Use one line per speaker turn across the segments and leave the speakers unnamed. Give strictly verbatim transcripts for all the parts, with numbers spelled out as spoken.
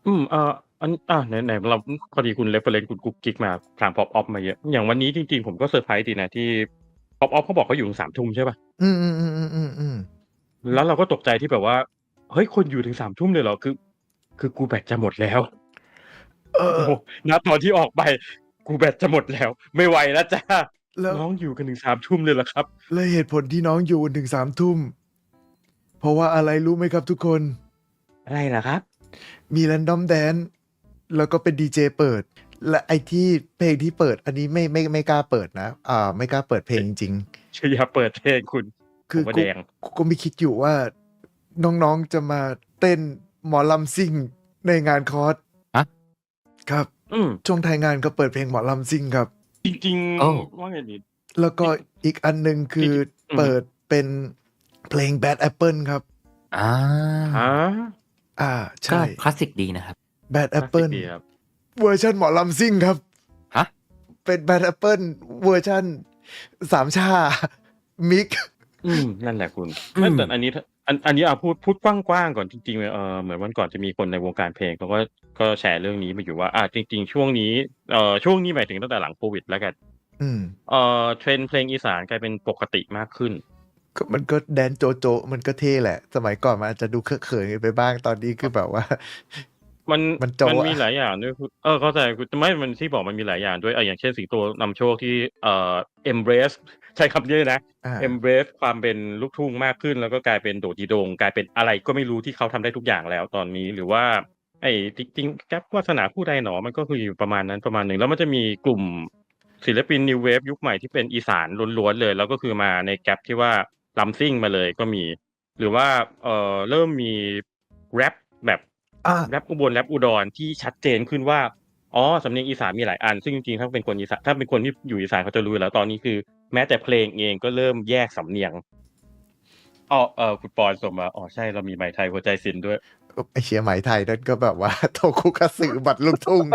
อืม เอ่อ อัน อ่า ไหน ๆ เรา พอดีคุณ reference คุณกุ๊กกิ๊กมา ทาง Pop Op มาเยอะ อย่างวันนี้จริง ๆ ผมก็เซอร์ไพรส์ดีนะที่ Pop Op เขาบอกเขาอยู่ถึง สาม ทุ่มใช่เปล่า?
อืม ๆ ๆ ๆ ๆ ๆ
แล้วเราก็ตกใจที่แบบว่า เฮ้ย คนอยู่ถึง สาม ทุ่มเลยเหรอ? คือ คือกูแบตจะหมด แล้ว
เอ
โอ้โฮ
อ
ณ ตอนที่ออกไป กูแบตจะหมดแล้ว ไม่ไหวแล้ว จ้ะ
แล้ว
น้องอยู่กันถึง สาม ทุ่มเลยเหรอครับ?
และเหตุผลที่น้องอยู่ถึง สาม ทุ่ม เพราะว่าอะไรรู้ไหมครับทุกคน?
อะไรเหรอครับ?
มี Random Dance แล้วก็เป็นดีเจเปิด และไอ้ที่เพลงที่เปิด อันนี้ไม่ ไม่ ไม่กล้าเปิดนะ อ่า ไม่กล้าเปิดเพลงจริง ๆ
อย่าเปิดเพลงคุณ
ค
ผืมว่า
อกุ
แ
๊ก
ดง
กุ๊กก็ไม่คิดอยู่ว่า น้อง ๆ จะมาเต้นหมอลำซิ่งในงานคอร์ส
ฮะ?
ครับ
อืม
ช่วงท้ายงานก็เปิดเพลงหมอลำซิ่งครับ
จริง
โอ้
ๆ ว่าไงดี
แล้วก็
จริง
อีกอันหนึ่งค
จืริ
อ
ง ๆ อื
เ
อ
ป
ฮิึ
ดเป็นเพลง Bad Apple ครับ
อา
ฮะ?
อา ใช
ก็
่
คลาสสิกดีนะครับ
Bad
คลาสสิก
Apple
ดีครับ
เวอร์ชันหมอลำซิ่งครับ
ฮะ?
เป็น Bad Apple เวอร์ชันสามช่า มิกซ์
อืม นั่นแหละคุณ
อื
ไม่ แต่
ม
อันนี้ ถ อัน อันนี้ อ่า พูด พูดกว้าง ๆ ก่อนจริง ๆ เอ่อ เหมือนวันก่อนจะมีคนในวงการเพลงเขาก็ ก็แชร์เรื่องนี้มาอยู่ว่า อา จริง ๆ ช่วงนี้ เอ่อ ช่วงนี้หมายถึงตั้งแต่หลังโควิดแล้วกัน
อืม
เอ่อ trend เพลงอีสานกลายเป็นปกติมากขึ้น
ก็ มันก็แดนซ์โจ๊ะ ๆ มันก็เท่แหละ สมัยก่อนมันอาจจะดูเคอะเขินกันไปบ้าง ตอนนี้คือแบบว่า
มัน
มันโจ๊
มัน
ะอ
มีหล
ะ
ายอย่างด้วยคุณ เออ เข้าใจคุณ ไม่ มัน ที่บอกมันมีหลายอย่างด้วย อา อย่างเช่น สิงโตนำโชคที่ เอ่อ embrace ใช้คำนี้เลยนะ
อา
embrace ความเป็นลูกทุ่งมากขึ้น แล้วก็กลายเป็นโดดดีโด่ง กลายเป็นอะไรก็ไม่รู้ที่เขาทำได้ทุกอย่างแล้วตอนนี้ หรือว่าไอ้ จริง ๆ แก๊ป วาสนาผู้ใดหนอ มันก็คืออยู่ประมาณนั้นประมาณหนึ่ง แล้วมันจะมีกลุ่มศิลปิน New Wave ยุคใหม่ที่เป็นอีสานล้วน ๆ เลย แล้วก็คือมาในแก๊ปที่ว่ารำซิ่งมาเลยก็มี หรือว่า เอ่อ เริ่มมีแรปแบบ
อา
แรปอุบล แรปอุดรที่ชัดเจนขึ้นว่า อ๋อ สำเนียงอีสานมีหลายอัน ซึ่งจริง ๆ ถ้าเป็นคนอีสาน ถ้าเป็นคนที่อยู่อีสานเขาจะรู้อยู่แล้ว ตอนนี้คือแม้แต่เพลงเองก็เริ่มแยกสำเนียง อ้อ เอ่อ คุณปอนส่งมา อ๋อ ใช่ เรามีไหมไทยหัวใจศิลป์ด้วย
อ ไอ้เหี้ย ไหมไทยนั่นก็แบบว่า โทคุคัตสึ บัตรลูกทุ่ง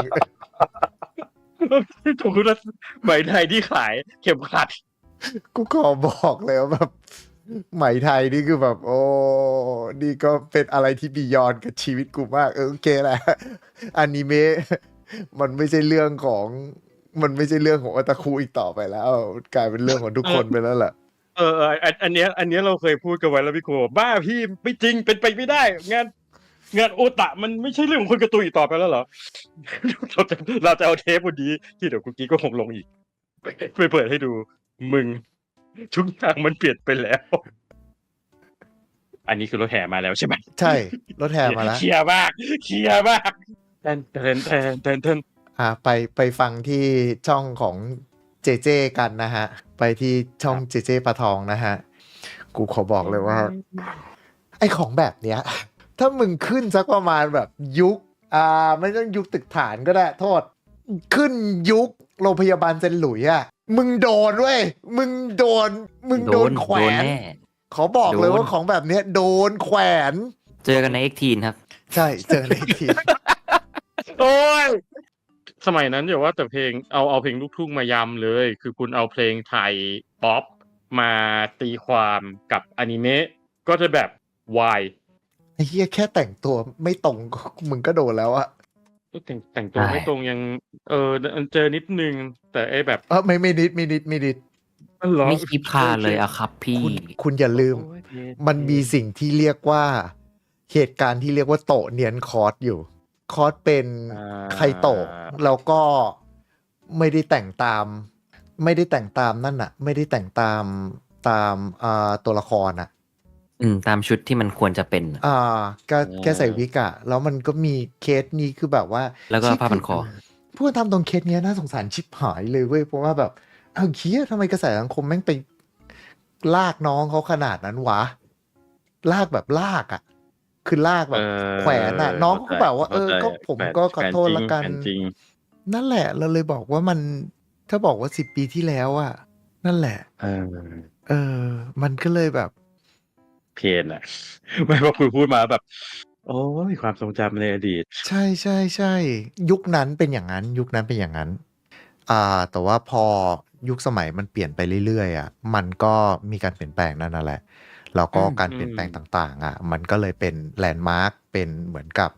โทคุคัตสึ ไหมไทยที่ขายเข็มขัด
กูขอบอกเลยว่าแบบ ไหมไทยนี่คือแบบ โอ้ นี่ก็เป็นอะไรที่ บียอนด์ กับชีวิตกูมาก เออ โอเคแหละ อานิเมะ มันไม่ใช่เรื่องของ มันไม่ใช่เรื่องของ Otaku อีกต่อไปแล้ว กลายเป็นเรื่องของทุก
เออ
คนไปแล้วแหละ
เออ ๆ อัน อันเนี้ย อันเนี้ยเราเคยพูดกันไว้แล้วพี่ครูบอก "บ้าพี่ ไม่จริง เป็นไปไม่ได้ งาน งานโอตะมันไม่ใช่เรื่องของคนการ์ตูนอีกต่อไปแล้วเหรอ?" เราจะ เราจะเอาเทปวันนี้ที่เดี๋ยวกุ๊กกิ๊กก็คงลงอีก ไป ไปเปิดให้ดู มึง ทุกอย่างมันเปลี่ยนไปแล้ว อันนี้คือรถแห่มาแล้วใช่ไหม?
ใช่ รถแห่มาแล้ว
เคลียร์มาก เคลียร์มาก
อ่า ไป ไปฟังที่ช่องของเจเจกันนะครับ ไปที่ช่อง
ครับ
เจเจปาทองนะครับ กูขอบอกเลยว่า ไอ้ของแบบเนี้ย ถ้ามึงขึ้นสักประมาณแบบยุค อ่า ไม่ต้องยุคตึกฐานก็ได้ โทษ ขึ้นยุคโรงพยาบาลเซนต์หลุยส์อะ มึงโดนเว้ย มึงโดน มึงโดนแขว
โดน
น
แน่
ขอบอกเลย
โดน
ว่าของแบบเนี้ยโดนแขวน
เจอกันใน เอ็กซ์ ทีน ครับ
ใช่ เจอใน เอ็กซ์ ทีน
โอ๊ย สมัยนั้นอย่าว่าแต่เพลง เอา เอาเพลงลูกทุ่งมายำเลย คือคุณเอาเพลงไทยพ็อปมาตีความกับอานิเมะ ก็จะแบบ why?
ไอ้เหี้ย แค่แต่งตัวไม่ตรง ก็ มึงก็โดนแล้วอะ
ก็แต่ง แต่งตัวไม่
ใช่
ตรงยัง เออ ด เออ เจอนิดหนึ่ง แต่ไอ้แบบ
เออ ไม่ ไม่นิด ไม่นิด ไม่นิด
อ้าว เหรอ?
ไม่คีบคลาน
โอเค
เลยอะครับพี่
คุณ คุณอย่าลืม
โอ๊ย เท่
มันมี
ๆ
สิ่งที่เรียกว่า เหตุการณ์ที่เรียกว่าโตะเนียนคอร์สอยู่ คอร์สเป็น
อ
ไคโตะ
า
แล้วก็ไม่ได้แต่งตาม ไม่ได้แต่งตามนั่นน่ะ ไม่ได้แต่งตาม ตาม อ่า ตัวละครน่ะ
อืม ตามชุดที่มันควรจะเป็นอะ
อ่า ก็
อ๋
แค่ใส่ว
อ
ิกอะ แล้วมันก็มีเคสนี้คือแบบว่า
แล้วก็
เชี่ย ค
ผ้าพั
ือ
นคอ
พูดตามตรงเคสเนี้ยน่าสงสารชิบหายเลยเว้ย เพราะว่าแบบ อ้าว เหี้ย ทำไมกระแสสังคมแม่งไปลากน้องเขาขนาดนั้นวะ ลากแบบลากอะ คือลาก
เ
แ
อ
บบ
อ
แขวนอะ น้อง
เข้า
เขา
ใจ
ก็แบบว่า
เข
"เอ้
า
อ
ใจ
ก็ผม
แขวน
ก็ข
แขวน
อโทษ
จริง
แล้วกั
แขวน จริง
นั่นแหละ เราเลยบอกว่ามัน ถ้าบอกว่า สิบ ปีที่แล้วอะ นั่นแหละ
เออ
เออ มันก็เลยแบบ
เพนอะ ไม่ พอคุณพูดมาแล้วแบบ โอ๊ย ความทรงจำในอดีต
ใช่ ๆ ๆ ยุคนั้นเป็นอย่างงั้น ยุคนั้นเป็นอย่างงั้น อ่า แต่ว่าพอยุคสมัยมันเปลี่ยนไปเรื่อย ๆ อะ มันก็มีการเปลี่ยนแปลงนั่นน่ะแหละ แล้ว
อ
ก็การ
ื
เปลี่ยนแปลงต
ม ๆ
่าง ๆ อะ มันก็เลยเป็นแลนด์มาร์ก เป็นเหมือนกับ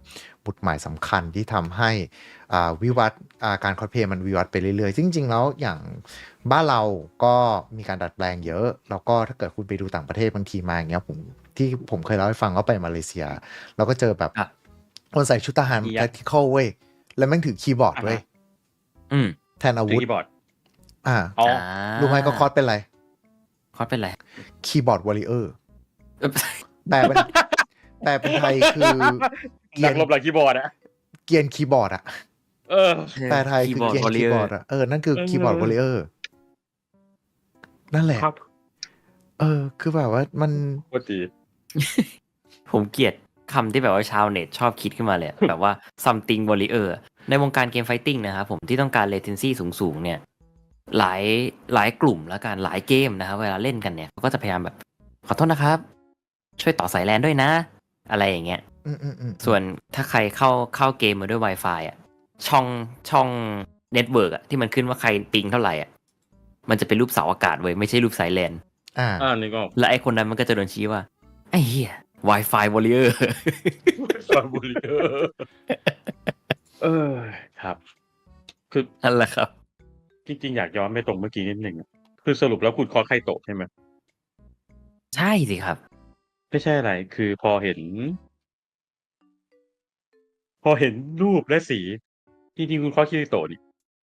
หมุดหมายสำคัญที่ทำให้อ่าวิวัฒน์อ่าการคอสเพลย์มันวิวัฒน์ไปเรื่อยๆจริงๆแล้วอย่างบ้านเราก็มีการดัดแปลงเยอะแล้วก็ถ้าเกิดคุณไปดูต่างประเทศบางทีมาอย่างเงี้ยผมที่ผมเคยเล่าให้ฟังว่าไปมาเลเซียเราก็เจอแบบ
อ่ะ
คนใส่ชุดทหาร
มียั
แท็
ด
กติคอลเว้ยแล้วแม่งถือคีย์บอร์ด
อ่าฮะ
เว้ย
อืม
แทนอา
ถือ
วุธ
คีย์บอร์ด
อ่า
อ๋อ
รู้ไหมก็คอสเป็นอะไร
คอสเป็นไร
คีย์บอร์ดวอริเออร์
เอ้ย
แปลเป็นแปลเป็นไทยคือ เกีย
นั
ร์
กรบหลังคีย์บอร์ดอะ
เกียร์คีย์บอร์ดอะ
เออ
แปลไทยคือเกียร์คีย์บอร์ดอะเออนั่นคือ
เออ
คีย์บอร์ดวอริเออร์นั่นแหละ
ครับ
เออ คือแบบว่ามัน
โคตรดี
ผมเกลียดคำที่แบบว่าชาวเน็ตชอบคิดขึ้นมาเลยอะ แบบว่า something warrior ในวงการเกมไฟติ้งนะครับผมที่ต้องการ latency สูงๆเนี่ย หลายหลายกลุ่มแล้วกันหลายเกมนะครับเวลาเล่นกันเนี่ยเขาก็จะพยายามแบบ ขอโทษนะครับ ช่วยต่อสายแลนด้วยนะ อะไรอย่างเงี้ย
อืมอืมอืม
ส่วนถ้าใครเข้าเข้าเกมมาด้วย Wi-Fi อ่ะช่องช่องเน็ตเวิร์กอ่ะที่มันขึ้นว่าใครปิงเท่าไหร่อ่ะมันจะเป็นรูปเสาอากาศเว้ยไม่ใช่รูปสายแลน
อ่า
อ่านึกออก
และไอคนนั้นมันก็จะโดนชี้ว่า ไอ้เหี้ย Wi-Fi warrior
ซอนบุรีเออเออครับ คือ
นั่นแหละครับ
จริงๆอยากย้อนไปตรงเมื่อกี้นิดหนึ่งอะคือสรุปแล้วคุณคอสไคโตะใช่ไหม
ใช่สิครับ
ไม่ใช่อะไร คือพอเห็น พอเห็นรูปและสี จริงๆคุณคอสคิริโตะนี่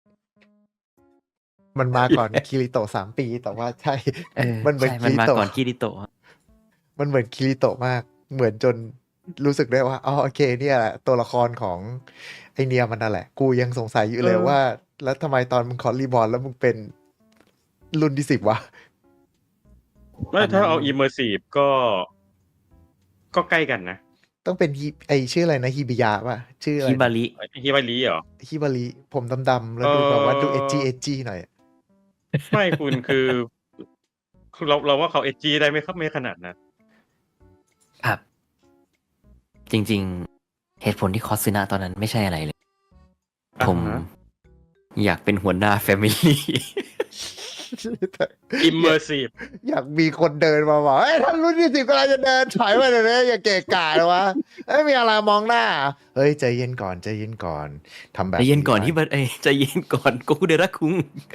มันมาก่อน คิริโตะสามปีแต่ว่าใช่
เออ
มันเหมือน
ใช่
คิ
มัน
ริ
มา
โตะ
ก่อนคิริโตะ
มันเหมือนคิริโตะมาก เหมือนจนรู้สึกได้ว่าอ๋อโอเคเนี่ยแหละตัวละครของไอเนียมันนั่นแหละ กูยังสงสัยอยู่เลย
เออ
ว่า แล้วทำไมตอนมึงคอร์รีบอลแล้วมึงเป็นรุ่นที่สิบวะ
ไม่ถ้าเอา immersive ก็ ก็ใกล้กันนะ
ต้องเป็นฮิไอชื่ออะไรนะฮิบิยะป่ะ ชื่ออะไร
ฮิบาริ
ฮิบาริเหรอ
ฮิบาริผมดำๆแล้วดูแบบว่าดูเอจจีเอจจีหน่อย
ไม่คุณคือคือเราเราว่าเขาเอจีได้ไม่ครับไม่ขนาดนั้น
ครับ จริงๆ เหตุผลที่คอสซินะตอนนั้นไม่ใช่อะไรเลย
อ่าฮะ
ผมอยากเป็นหัวหน้าแฟมิลี่
immersive
อยากมีคนเดินมาบอกเฮ้ยท่านรุ่นที่สิบกำลังจะเดินถอยมาเดี๋ยวนี้อย่าเกะกะเลยวะเอ้ยมีอะไรมองหน้า เฮ้ยใจเย็นก่อนใจเย็นก่อนทำแบบ
ใจเย็นก่อน
ไว้
ที่บัดเอ้ยใจเย็นก่อนโกคุเดระคุง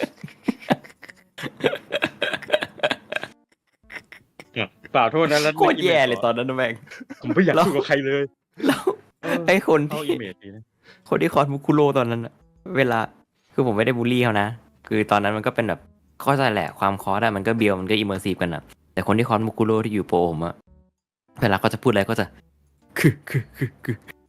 เปล่าโทษนะแล้ว
โคตรแย่เลยตอนนั้นนะแม่ง
ผมไม่อยาก
แล้ว
คุยกับใครเลย
แล้ว
เออ
ไอ้คน
เข้า
ที่
อิเมจดีนะ
คนที่คอสมุคุโรตอนนั้นอะเวลาคือผมไม่ได้บูลลี่เขานะ คือตอนนั้นมันก็เป็นแบบเข้าใจแหละความคอสอะมันก็เบียวมันก็อิมเมอร์ซีฟกันอะแต่คนที่คอสมุคุโรที่อยู่โปรผมอะเวลาเขาจะพูดอะไรก็จะคือคือคือคือ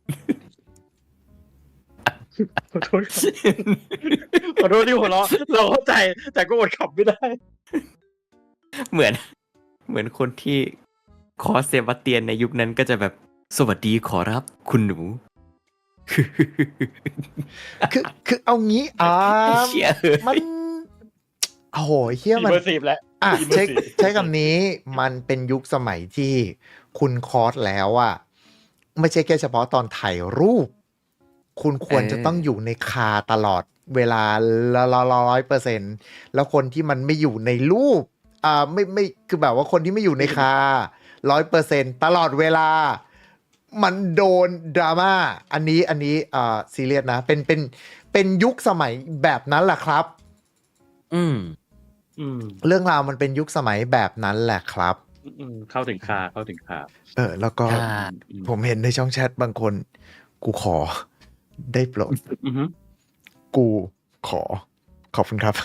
ขอโทษครับขอโทษที่หัวเราะเราเข้าใจ แต่ก็อดขับไม่ได้
เหมือน เหมือนคนที่คอสเซบาสเตียนในยุคนั้นก็จะแบบสวัสดีขอรับคุณหนู
คือคือเอางี้อ่า
เชี่ยเอ้ย
มันโอ้โหเฮียมัน
immersive แล้ว
อ่ะใช้
immersive
ใช้คำนี้มันเป็นยุคสมัยที่คุณคอร์สแล้วอะไม่ใช่แค่เฉพาะตอนถ่ายรูป คุณควรจะต้องอยู่ในคาตลอดเวลาละร้อยเปอร์เซ็นต์แล้วคนที่มันไม่อยู่ในรูปอ่าไม่ไม่คือแบบว่าคนที่ไม่อยู่ในคาร้อยเปอร์เซ็นต์ตลอดเวลา มันโดนดราม่าอันนี้อันนี้อ่าซีเรียสนะเป็นเป็นเป็นยุคสมัยแบบนั้นแหละครับ
อืม
อืม
เรื่องราวมันเป็นยุคสมัยแบบนั้นแหละครับ
อืมเข้าถึงคาเข้าถึงคา
เออ แล้วก็
อ่า
อืม
ผมเห็นในช่องแชทบางคน กูขอ ได้โปรด
อือฮึ
กูขอ ขอบคุณครับ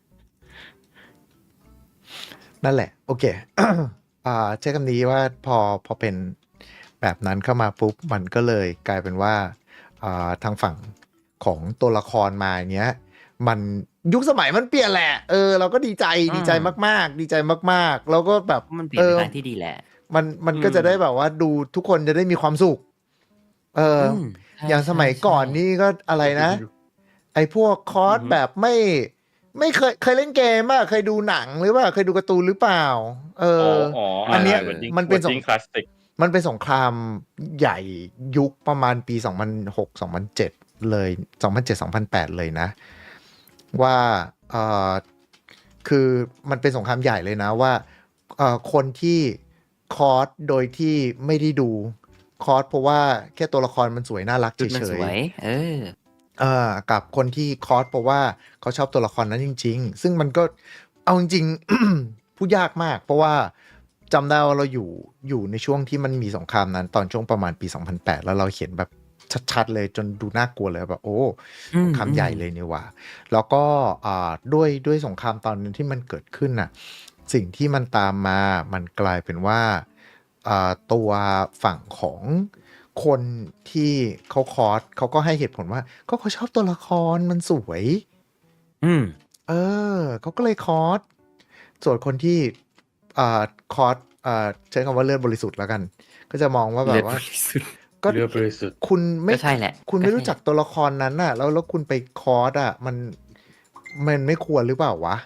นั่นแหละ โอเค อ่าใช้คำนี้ว่าพอพอเป็นแบบนั้นเข้ามาปุ๊บ มันก็เลยกลายเป็นว่าอ่าทางฝั่งของตัวละครมาอย่างเงี้ย มันยุคสมัยมันเปลี่ยนแหละ เออ เราก็ดีใจ
อืม
ดีใจมากๆ ดีใจมากๆ แล้วก็แบบ
มันเปลี่ยนไปทางที่ดีแหละ
มันมันก็จะได้แบบว่าดูทุกคนจะได้มีความสุข เอออ
มใช่
อย่างสมัย
ใช่
ก่อน
ใช่
นี่ก็อะไรนะ ไอ้พวกคอร์ส
อือฮึ
แบบไม่ ไม่เคยเคยเล่นเกมป่ะเคยดูหนังหรือว่าเคยดูการ์ตูนหรือเปล่า เอ
อ๋อ
อ
อ๋อ
อั
อั
นเนี้ย
เหมือนยิง
มันเป็นสง
ยิงคลาสสิก
มันเป็นสงครามใหญ่ยุคประมาณปี สองพันหก สองพันเจ็ด เลย สองพันเจ็ด สองพันแปด เลยนะ ว่าเออคือมันเป็นสงครามใหญ่เลยนะว่าเออคนที่คอร์สโดยที่ไม่ได้ดูคอร์สเพราะว่าแค่ตัวละครมันสวยน่ารัก
ชุดมัน
เฉ
ส
ย
วย เออ
ๆเอ่อกับคนที่คอร์สเพราะว่าเขาชอบตัวละครนั้นจริง ๆ ซึ่งมันก็เอาจริงๆ พูดยากมาก เพราะว่าจำได้ว่าเราอยู่อยู่ในช่วงที่มันมีสงครามนั้น ตอนช่วงประมาณปี สองพันแปด แล้วเราเห็นแบบชัดๆเลยจนดูน่ากลัวเลยแบบโอ้
อื
ส
ม
งคราม
อื
ใหญ่
ม
เลยนี่หว่า แล้วก็อ่าด้วยด้วยสงครามตอนนั้นที่มันเกิดขึ้นน่ะ สิ่งที่มันตามมามันกลายเป็นว่าอ่าตัวฝั่งของคนที่เขาคอร์สเขาก็ให้เหตุผลว่าก็เขาชอบตัวละครมันสวย
อืม
เออเขาก็เลยคอร์สส่วนคนที่อ่าคอร์สอ่าใช้คำว่าเลือดบริสุทธิ์แล้วกัน ก็จะมองว่าแบ
เลือบ ด
ว่า
บริสุทธิ์
ก็
เลือดบริสุทธิ์
คุณไม่
ก็ใช่แหละ
คุณ
ก็
ไม่
ใช่
รู้
แห
จั
ละ
กตัวละครนั้นน่ะ แล้วแล้วคุณไปคอร์สอ่ะ มันมันไม่ควรหรือเปล่าวะ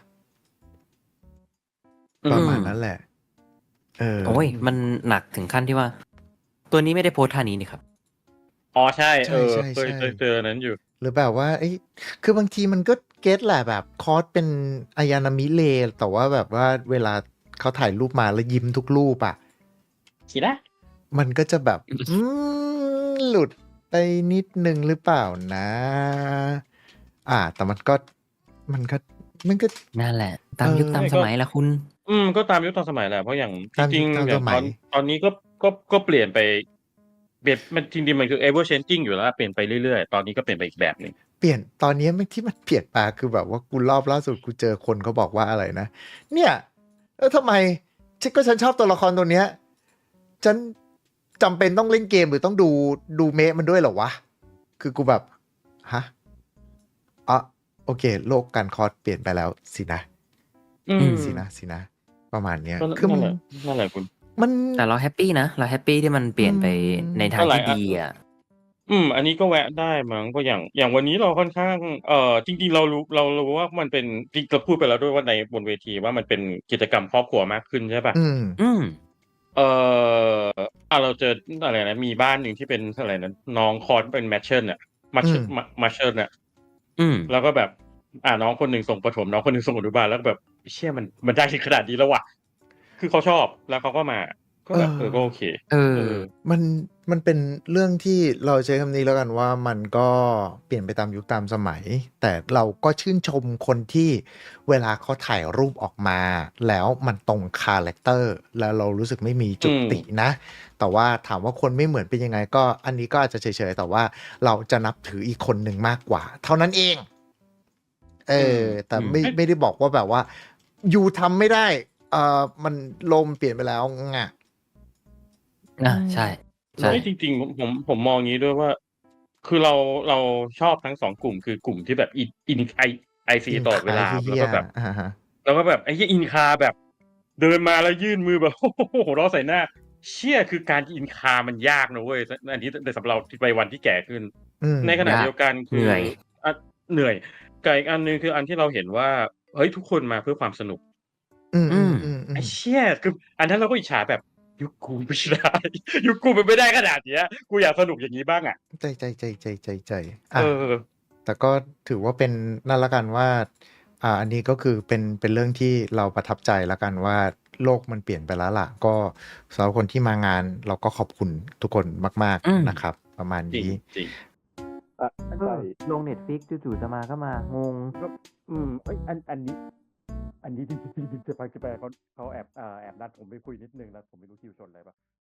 อื
ประ
อื
มาณ
ม
นั้นแหละ เออ
โอ๊ย มันหนักถึงขั้นที่ว่า ตัวนี้ไม่ได้โพสต์ท่านี้นี่ครับ
อ๋อ ใช่
ใช
เออ เคย
่
เคยเจออันนั้นอยู่
ๆ ๆ หรือแบบว่า เอ๊ย คือบางทีมันก็เก็ตแหละแบบคอร์สเป็นอายานามิเล แต่ว่าแบบว่าเวลาเขาถ่ายรูปมาแล้วยิ้มทุกรูปอะ
ชิระ
มันก็จะแบบ อืม หลุดไปนิดหนึ่งหรือเปล่านะ อ่า แต่มันก็ มันก็ มันก็
นั่นแหละ ตา
เอ
มยุคตา
อ
ม
ไม่
ส
ก็
มัยแหละคุณ
อืม ก็ตามยุคตามสมัยแหละ เพราะอย่างจ
ตาม
ริ
ยุ
ง
คตาม
ๆ อ
ส
ย่าง
ม
ตั
ย
อน ตอนนี้ก็ ก็ ก็เปลี่ยนไป เปลี่ยน มันจริง ๆ มันคือ ever changing อยู่แล้ว เปลี่ยนไปเรื่อย ๆ ตอนนี้ก็เปลี่ยนไปอีกแบบหนึ่ง
เปลี่ยน ตอนนี้มัน ที่มันเปลี่ยนมาคือแบบว่ากูรอบล่าสุดกูเจอคนเขาบอกว่าอะไรนะ เนี่ย เออ ทำไม ฉัน ก็ฉันชอบตัวละครตัวเนี้ย ฉันจำเป็นต้องเล่นเกมหรือต้องดู ดูเมะมันด้วยเหรอวะ? คือกูแบบ ฮะ อ๋อ โอเค โลกการคอร์สเปลี่ยนไปแล้วสินะ
อื
อื
ม
ม
สินะ สินะ ประมาณเนี้ย
ก็ น
คือ
นั่
มัน
นแหละ นั่นแหละคุณ
มัน
แต่เราแฮปปีนะ เราแฮปปีที่มันเป
อื
ลี่ยนไปใน
ม
ทา
ก็
ง
หลา
ที่
ย อ
ดีอะ
อืม อันนี้ก็แวะได้มั้ง ก็อย่าง อย่างวันนี้เราค่อนข้าง เอ่อ จริง ๆ เรารู้ เรารู้ว่ามันเป็น จริง เราพูดไปแล้วด้วยว่าใน บนเวทีว่ามันเป็นกิจกรรมครอบครัวมากขึ้น ใช่เปล่า?
อืม
อืม
เอ่อ อ่า เราเจอ อะไรนะ มีบ้านหนึ่งที่เป็นอะไรนะ น้องคอร์สเป็น Matron อะ
อื
Matron
ม
ม Matron อะ
อืม
แล้วก็แบบ อ่า น้องคนหนึ่งส่งประถม น้องคนหนึ่งส่งอนุบาล แล้วก็แบบ เชี่ย มัน มันได้ถึงขนาดนี้แล้วว่ะ คือเขาชอบ แล้วเขาก็มา ก็
เอ
แบบ เออ
อ
ก็โอเค
เอ
เอ
อ
อ
มัน มันเป็นเรื่องที่ เราใช้คำนี้แล้วกันว่า มันก็เปลี่ยนไปตามยุคตามสมัย แต่เราก็ชื่นชมคนที่เวลาเขาถ่ายรูปออกมา แล้วมันตรงคาแรกเตอร์ แล้วเรารู้สึกไม่มี
อ
จุ
ื
ดติ
ม
นะ แต่ว่าถามว่าคนไม่เหมือนเป็นยังไง ก็อันนี้ก็อาจจะเฉย ๆ แต่ว่าเราจะนับถืออีกคนหนึ่งมากกว่า เท่านั้นเอง เอ
อืม
อ แต่
อืม
ไม่
เอ๊ะ
ไม่ได้บอกว่าแบบว่า ยูทำไม่ได้ เอ่อ มัน โลกมันเปลี่ยนไปแล้ว งะ
อ
อื
า ใช่ ใช่
เฮ้ย จริง ๆ ผม ผม ผมมองงี้ด้วยว่า คือเรา เราชอบทั้ง สอง กลุ่ม คือกลุ่มที่แบบอิน อิน ไอ IC
อิน
ตลอดเวลา
เ
แล
หี้้ย
วก็แบบ
ๆ อะฮะ
แล้วก็แบบ ไอ้เหี้ย in car แบบเดินมาแล้วยื่นมือแบบ หัวเราะใส่หน้า เชี่ย คือการ in car มันยากนะเว้ย ส อันนี้ ใน สำหรับเราในวัยที่แก่ขึ้น
อืม
ในขณะ
ยา
เดียวกัน ค
เหนื
อ
่อย
อะ เหนื่อย กับอีกอันหนึ่งคืออันที่เราเห็นว่า เฮ้ย ทุกคนมาเพื่อความสนุก
อื
อืม
ไอ้
ม ๆ
เ
ๆ ๆ
ชี่ย คืออันนั้นเราก็อิจฉาแบบ ยุคกูไม่ได้ ยุคกูมันไม่ได้ขนาดเนี้ย กูอยากสนุกอย่างงี้บ้างอะ
ใจ ๆ ๆ ๆ ๆ ๆ
เ
อะ
ออ
แต่ก็ถือว่าเป็น นั่นแล้วกันว่า อ่า อันนี้ก็คือเป็น เป็นเรื่องที่เราประทับใจแล้วกันว่า โลกมันเปลี่ยนไปแล้วล่ะ ก็สำหรับคนที่มางานเราก็ขอบคุณทุกคนมาก
อืม
ๆ นะครับ ประมาณ
จริง
นี้
จริง อะ อัน
เอ
ใช่
อ ลง Netflix จู่ ๆ จะมาก็มา งง
ก็ อืม เฮ้ย อัน อันนี้ อันนี้ จริง ๆ ๆ ๆ จะไป จะไป เขา เขาแอบ อ่า แอบนัดผมไปคุยนิดหนึ่ง แล้วผมไม่รู้คิวชนอะไรเปล่า